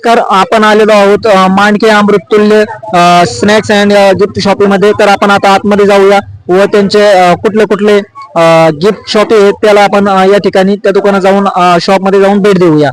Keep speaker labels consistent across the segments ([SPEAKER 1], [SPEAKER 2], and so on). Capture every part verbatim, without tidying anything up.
[SPEAKER 1] नमस्कार, आपण आलेलो आहोत अ, Mandke Amruttulya snacks and gift शॉपीमध्ये. तर आपण आता आतमध्ये जाऊया व त्यांचे अ, कुठले कुठले गिफ्ट शॉप आहेत त्याला आपण अ, या ठिकाणी त्या दुकानात जाऊन शॉप मध्ये जाऊन भेट देऊया.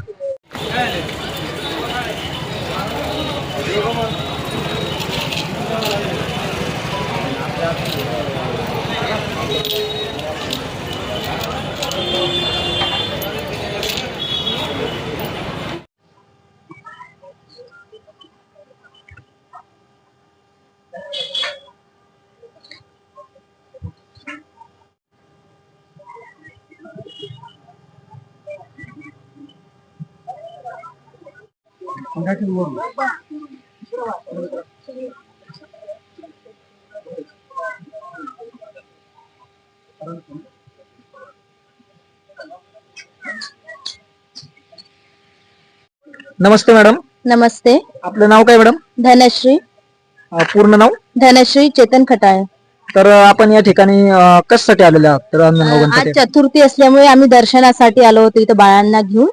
[SPEAKER 1] नमस्ते मॅडम.
[SPEAKER 2] नमस्ते.
[SPEAKER 1] आपलं नाव काय मॅडम?
[SPEAKER 2] धनश्री.
[SPEAKER 1] अ, पूर्ण नाव?
[SPEAKER 2] धनश्री चेतन खटाळे.
[SPEAKER 1] तर अ, आपण या ठिकाणी अ, कशासाठी आलेले आहात? तर अंजनगाव
[SPEAKER 2] आज
[SPEAKER 1] गणपती.
[SPEAKER 2] चतुर्थी असल्यामुळे आम्ही दर्शनासाठी आलो होतो इथं बाळांना घेऊन.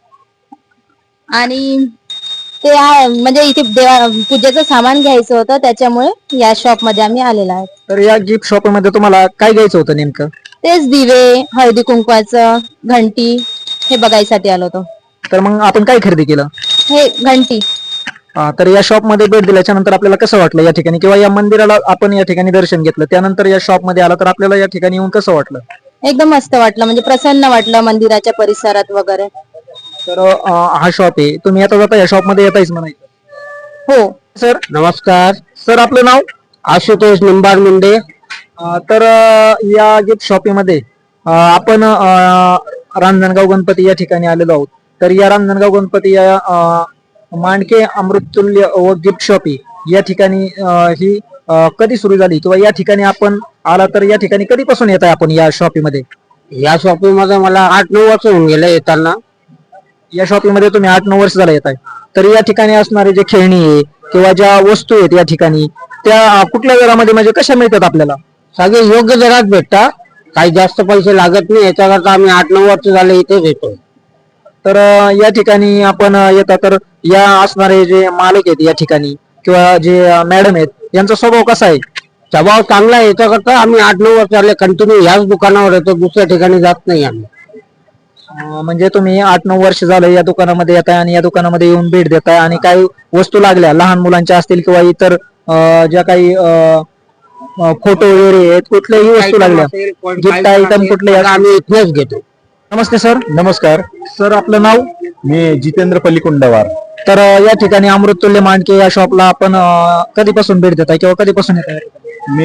[SPEAKER 2] आणि ते आहे म्हणजे इथे देवा पूजेचं सामान घ्यायचं होतं त्याच्यामुळे या शॉप मध्ये आम्ही आलेलो आहोत.
[SPEAKER 1] तर या गिफ्ट शॉप मध्ये तुम्हाला काय घ्यायचं होतं नेमकं?
[SPEAKER 2] तेच दिवे, हळदी कुंकवाचं, घंटी हे बघायसाठी आलो होतो.
[SPEAKER 1] तर मग आपण काय खरेदी केलं?
[SPEAKER 2] हे घंटी.
[SPEAKER 1] अ, तर या शॉप मध्ये भेट दिल्याच्या नंतर आपल्याला कसं वाटलं या ठिकाणी, किंवा या मंदिराला आपण या ठिकाणी दर्शन घेतलं त्यानंतर या शॉप मध्ये आला तर आपल्याला या ठिकाणी येऊन कसं वाटलं?
[SPEAKER 2] एकदम मस्त वाटलं, म्हणजे प्रसन्न वाटलं मंदिराच्या परिसरात वगैरे.
[SPEAKER 1] तर अ, हा शॉप आहे, तुम्ही आता जाता या शॉप मध्ये येतायच म्हणायचं.
[SPEAKER 2] हो.
[SPEAKER 1] सर नमस्कार. सर आपलं नाव?
[SPEAKER 3] आशुतोष निंबार मुंडे.
[SPEAKER 1] अ, तर अ, या गिफ्ट शॉपीमध्ये अ, आपण अ, रांजणगाव गणपती या ठिकाणी आलेलो आहोत. तर या रांजणगाव गणपती या अ, मांडके अमृततुल्य व गिफ्ट शॉपी या ठिकाणी अ, ही अ, कधी सुरू झाली, किंवा या ठिकाणी आपण आला तर या ठिकाणी कधीपासून येत आहे आपण या शॉपीमध्ये?
[SPEAKER 3] या शॉपिंग मध्ये मला आठ नऊ वर्ष होऊन गेले येताना.
[SPEAKER 1] या शॉपीमध्ये तुम्ही आठ नऊ वर्ष झाला येत आहे. तर या ठिकाणी असणारे जे खेळणी आहे किंवा ज्या वस्तू आहेत या ठिकाणी त्या अ, कुठल्या दरामध्ये म्हणजे कशा मिळतात आपल्याला?
[SPEAKER 3] सगळे योग्य दरात भेटतात, काही जास्त पैसे लागत नाही. याच्याकरता आम्ही आठ नऊ वर्ष झाले इथेच येतो.
[SPEAKER 1] तर अ, या ठिकाणी आपण अ, येता तर या असणारे जे मालक आहेत या ठिकाणी किंवा जे मॅडम आहेत यांचा स्वभाव कसा आहे?
[SPEAKER 3] स्वभाव चांगला आहे. याच्याकरता आम्ही आठ नऊ वर्ष झाले कंटिन्यू ह्याच दुकानावर येतो, दुसऱ्या ठिकाणी जात नाही आम्ही.
[SPEAKER 1] अ, म्हणजे तुम्ही आठ नऊ वर्ष झालं या दुकानामध्ये येताय आणि या दुकानामध्ये येऊन भेट देताय, आणि काही वस्तू लागल्या लहान मुलांच्या असतील किंवा इतर अ, ज्या काही फोटो वगैरे आहेत, कुठल्याही वस्तू लागल्या, गिफ्ट आयटम कुठले
[SPEAKER 3] आम्ही इथेच घेतो.
[SPEAKER 1] नमस्ते सर.
[SPEAKER 4] नमस्कार.
[SPEAKER 1] सर आपलं नाव?
[SPEAKER 4] मी जितेंद्र पल्लीकुंडवार.
[SPEAKER 1] तर अ, या ठिकाणी अमृततुल्य मांडके या शॉपला आपण अ, कधीपासून भेट देताय किंवा कधीपासून येत आहे?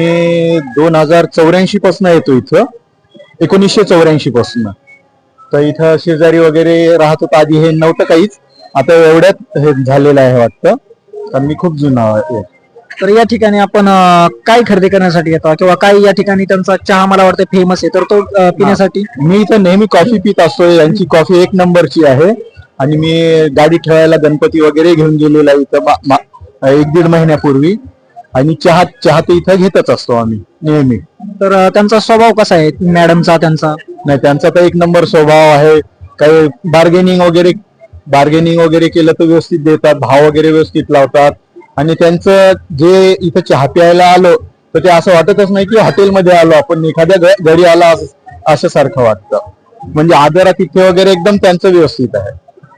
[SPEAKER 4] मी दोन हजार चौऱ्याऐंशी पासून येतो इथं, एकोणीसशे चौऱ्याऐंशी पासून. तर इथं शेजारी वगैरे राहत होतं आधी, हे नव्हतं काहीच, आता एवढ्यात हे झालेलं आहे वाटतं, कारण मी खूप जुना आहे.
[SPEAKER 1] तर या ठिकाणी आपण अ, काय खरेदी करण्यासाठी येतो, किंवा काय या ठिकाणी त्यांचा चहा मला वाटतं फेमस आहे, तर तो अ, पिण्यासाठी?
[SPEAKER 4] मी इथं नेहमी कॉफी पित असतो, यांची कॉफी एक नंबरची आहे. आणि मी गाडी ठेवायला गणपती वगैरे घेऊन गेलेला आहे इथं मा- मा- एक दीड महिन्यापूर्वी. आणि चहा चहा तर इथं घेतच असतो आम्ही नेहमी.
[SPEAKER 1] तर अ, त्यांचा स्वभाव कसा आहे मॅडमचा? त्यांचा
[SPEAKER 4] नाही, त्यांचा तर एक नंबर स्वभाव आहे. काही बार्गेनिंग वगैरे बार्गेनिंग वगैरे केलं तर व्यवस्थित देतात, भाव वगैरे व्यवस्थित लावतात. आणि त्यांचं जे इथं चहा प्यायला आलो तर ते असं वाटतच नाही की हॉटेलमध्ये आलो आपण, एखाद्या घ- घरी आला असं सारखं वाटतं. म्हणजे आदरात तिथे वगैरे एकदम त्यांचं व्यवस्थित आहे.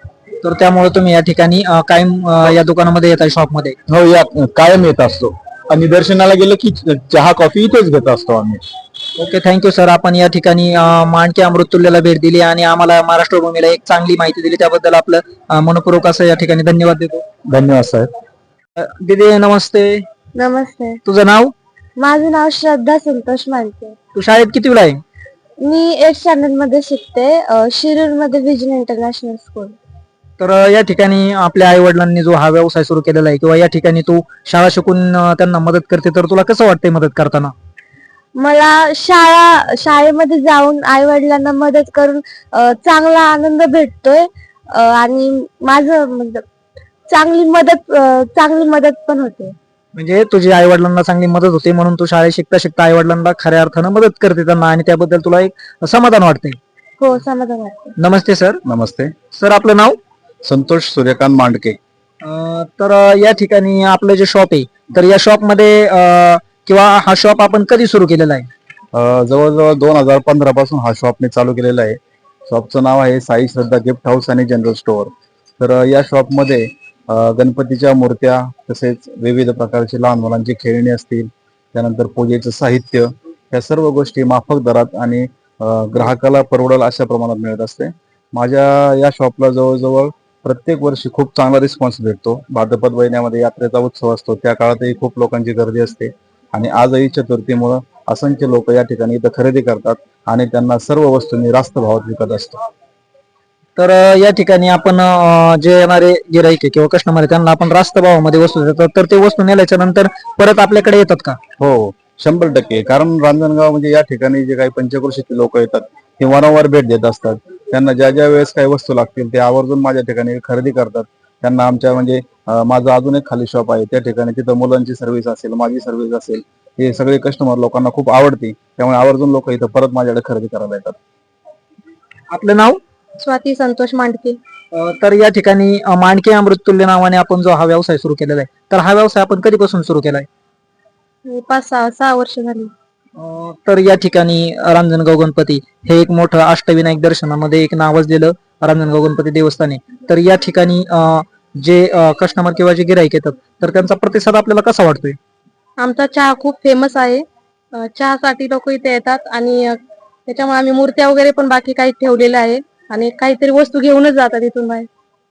[SPEAKER 1] तर त्यामुळे तुम्ही या ठिकाणी अ, कायम अ, या दुकानामध्ये येत आहे शॉपमध्ये?
[SPEAKER 4] हो, या कायम येत असतो. आणि दर्शनाला गेलं की चहा कॉफी इथेच घेत असतो आम्ही.
[SPEAKER 1] Okay, thank you sir. आपण या ठिकाणी अ, मांडके अमृततुल्यला भेट दिली आणि आम्हाला महाराष्ट्र भूमीला एक चांगली माहिती दिली, त्याबद्दल आपलं अ, मनपूर्वक असं या ठिकाणी धन्यवाद देतो.
[SPEAKER 4] धन्यवाद साहेब.
[SPEAKER 1] अ, दीदी नमस्ते.
[SPEAKER 2] नमस्ते.
[SPEAKER 1] तुझं नाव?
[SPEAKER 2] माझं नाव श्रद्धा संतोष मानके.
[SPEAKER 1] तू शाळेत कितवीला आहे?
[SPEAKER 2] मी एट स्टँडर्ड मध्ये शिकते, शिरूर मध्ये विजन इंटरनॅशनल स्कूल.
[SPEAKER 1] तर अ, या ठिकाणी आपल्या आई वडिलांनी जो हा व्यवसाय सुरू केलेला आहे, किंवा या ठिकाणी तू शाळा शिकून अ, त्यांना मदत करते, तर तुला कसं वाटतंय मदत करताना?
[SPEAKER 2] मला शाळा शाळेमध्ये जाऊन आई वडिलांना मदत करून अ, चांगला आनंद भेटतोय. अ, आणि माझं म्हणजे चांगली मदत अ, चांगली मदत पण होते.
[SPEAKER 1] म्हणजे तुझी आई वडिलांना चांगली मदत होते म्हणून तू शाळेत शिकता शिकता आई वडिलांना खऱ्या अर्थानं मदत करते त्यांना, आणि त्याबद्दल तुला एक समाधान वाटते.
[SPEAKER 2] हो, समाधान वाटते.
[SPEAKER 1] नमस्ते सर.
[SPEAKER 4] नमस्ते.
[SPEAKER 1] सर आपलं नाव?
[SPEAKER 4] संतोष सूर्यकांत मांडके.
[SPEAKER 1] अं, तर अं, या ठिकाणी आपलं जे शॉप आहे तर या शॉप मध्ये अं, किंवा हा शॉप आपण कधी सुरू केलेला आहे?
[SPEAKER 4] अ, जवळजवळ दोन हजार पंधरा पासून हा शॉप मी चालू केलेला आहे. शॉपचं नाव आहे साई श्रद्धा गिफ्ट हाऊस आणि जनरल स्टोअर. तर अ, या शॉपमध्ये अ, गणपतीच्या मूर्त्या, तसेच विविध प्रकारची लहान मुलांची खेळणी असतील, त्यानंतर पूजेचं साहित्य, या सर्व गोष्टी माफक दरात आणि अ, ग्राहकाला परवडेल अशा प्रमाणात मिळत असते. माझ्या या शॉपला जवळजवळ प्रत्येक वर्षी खूप चांगला रिस्पॉन्स भेटतो. भाद्रपद महिन्यामध्ये यात्रेचा उत्सव असतो, त्या काळातही खूप लोकांची गर्दी असते आणि आजही चतुर्थीमुळं असंख्य लोक या ठिकाणी इथं खरेदी करतात आणि त्यांना सर्व वस्तू मी रास्त भावात विकत असतो.
[SPEAKER 1] तर अं, या ठिकाणी आपण अं, जे येणारे गिराईक आहे किंवा कस्टमर आहे त्यांना आपण रास्त भावामध्ये वस्तू देतो, तर ते वस्तू नेल्याच्या नंतर परत आपल्याकडे येतात का?
[SPEAKER 4] हो, शंभर टक्के. कारण रांजणगाव म्हणजे या ठिकाणी जे काही पंचक्रोशीतील लोक येतात ते वारंवार भेट देत असतात. त्यांना ज्या ज्या वेळेस काही वस्तू लागतील ते आवर्जून माझ्या ठिकाणी खरेदी करतात. त्यांना आमच्या म्हणजे अं, माझं अजून एक खाली शॉप आहे, त्या ठिकाणी तिथं मुलांची सर्व्हिस असेल, माझी सर्व्हिस असेल, हे सगळे कस्टमर लोकांना खूप आवडते. त्यामुळे आवर्जून लोक इथं परत माझ्याकडे खरेदी करायला येतात.
[SPEAKER 1] आपलं नाव?
[SPEAKER 2] स्वाती संतोष मांडके.
[SPEAKER 1] अं, तर या ठिकाणी अं, मांडके अमृततुल्य नावाने आपण जो हा व्यवसाय सुरू केलेला आहे तर हा व्यवसाय आपण कधीपासून सुरू केलाय?
[SPEAKER 2] पाच सहा सहा वर्ष झाली.
[SPEAKER 1] अं, तर या ठिकाणी रांजणगाव गणपती हे एक मोठं अष्टविनायक दर्शनामध्ये एक नावाजलेलं रांजणगाव गणपती देवस्थान आहे. तर या ठिकाणी अं, जे कस्टमर किंवा जे गिराईक येतात तर त्यांचा प्रतिसाद आपल्याला कसा वाटतोय?
[SPEAKER 2] आमचा चहा खूप फेमस आहे. अ, चहासाठी लोक इथे येतात आणि अ, त्याच्यामुळे आम्ही मूर्त्या वगैरे पण बाकी काही ठेवलेल्या आहे आणि काहीतरी वस्तू घेऊनच जातात इथून बाहेर.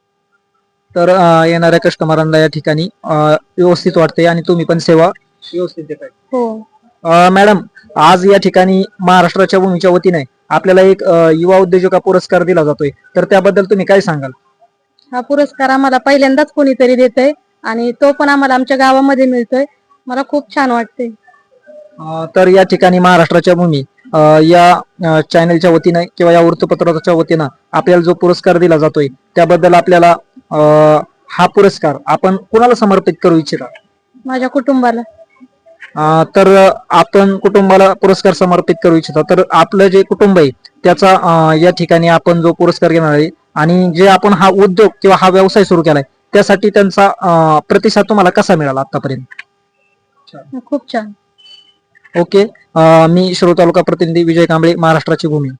[SPEAKER 1] तर अं, येणाऱ्या कस्टमरांना या ठिकाणी अं, व्यवस्थित वाटते आणि तुम्ही पण सेवा व्यवस्थित देताय.
[SPEAKER 2] हो.
[SPEAKER 1] अं, मॅडम, आज या ठिकाणी महाराष्ट्राच्या भूमीच्या वतीने आपल्याला एक अं, युवा उद्योजका पुरस्कार दिला जातोय, तर त्याबद्दल तुम्ही काय सांगाल?
[SPEAKER 2] हा पुरस्कार आम्हाला पहिल्यांदाच कोणीतरी देतंय आणि तो पण आम्हाला आमच्या गावामध्ये मिळतोय. मला खूप छान वाटते.
[SPEAKER 1] अं, तर या ठिकाणी महाराष्ट्राच्या भूमी अं, या अं, चॅनलच्या वतीने किंवा या वृत्तपत्राच्या वतीनं आपल्याला जो पुरस्कार दिला जातोय त्याबद्दल आपल्याला अं, हा पुरस्कार आपण कुणाला समर्पित करू इच्छिता?
[SPEAKER 2] माझ्या कुटुंबाला.
[SPEAKER 1] अं, तर आपण कुटुंबाला पुरस्कार समर्पित करू इच्छिता, तर आपलं जे कुटुंब आहे त्याचा अं, या ठिकाणी आपण जो पुरस्कार घेणार आहे आणि जे आपण हा उद्योग किंवा हा व्यवसाय सुरू केलाय त्यासाठी त्यांचा अं, प्रतिसाद तुम्हाला कसा मिळाला आतापर्यंत?
[SPEAKER 2] खूप छान.
[SPEAKER 1] ओके. अं, मी शिरूर तालुका प्रतिनिधी विजय कांबळे, महाराष्ट्राची भूमी.